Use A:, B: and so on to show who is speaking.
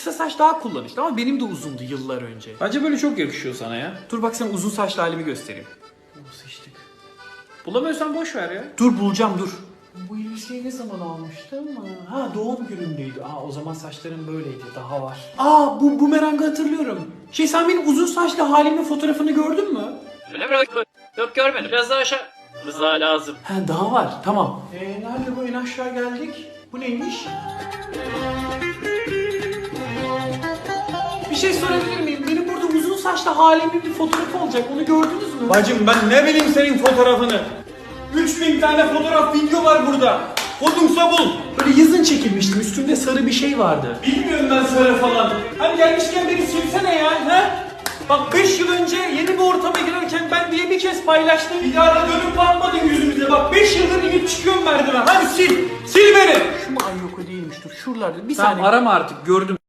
A: kısa saç daha kullanışlı ama benim de uzundu yıllar önce.
B: Bence böyle çok yakışıyor sana ya.
A: Dur bak sana uzun saçlı halimi göstereyim.
B: Sıçtık. Bulamıyorsan boş ver ya.
A: Dur bulacağım dur. Bu elbiseyi ne zaman almıştım? Ha doğum günümdeydi. O zaman saçlarım böyleydi. Daha var. Bu bumerangı hatırlıyorum. Sen benim uzun saçlı halimin fotoğrafını gördün mü?
B: Öyle mi? Yok görmedim. Biraz daha aşağı. Rıza lazım.
A: Daha var. Tamam. Nerede bu? En aşağı geldik. Bu neymiş? Bir şey sorabilir miyim? Benim burada uzun saçlı halimin bir fotoğrafı olacak. Onu gördünüz mü?
C: Bacım ben ne bileyim senin fotoğrafını. 3000 tane fotoğraf video var burada. Buldumsa bul.
A: Böyle yazın çekilmiştim. Üstümde sarı bir şey vardı.
C: Bilmiyorum ben sarı falan. Hani gelmişken beni silsene ya. He? Bak 5 yıl önce yeni bir ortama girerken ben diye bir kez paylaştım. Bir daha da dönüp bakmadın yüzümüze. Bak 5 yıldır inip çıkıyorum merdiven. Hadi sil. Sil beni.
A: Şu mu? Ay yok o değilmiş. Dur şuralarda. Bir
B: Tamam
A: saniye.
B: arama artık gördüm.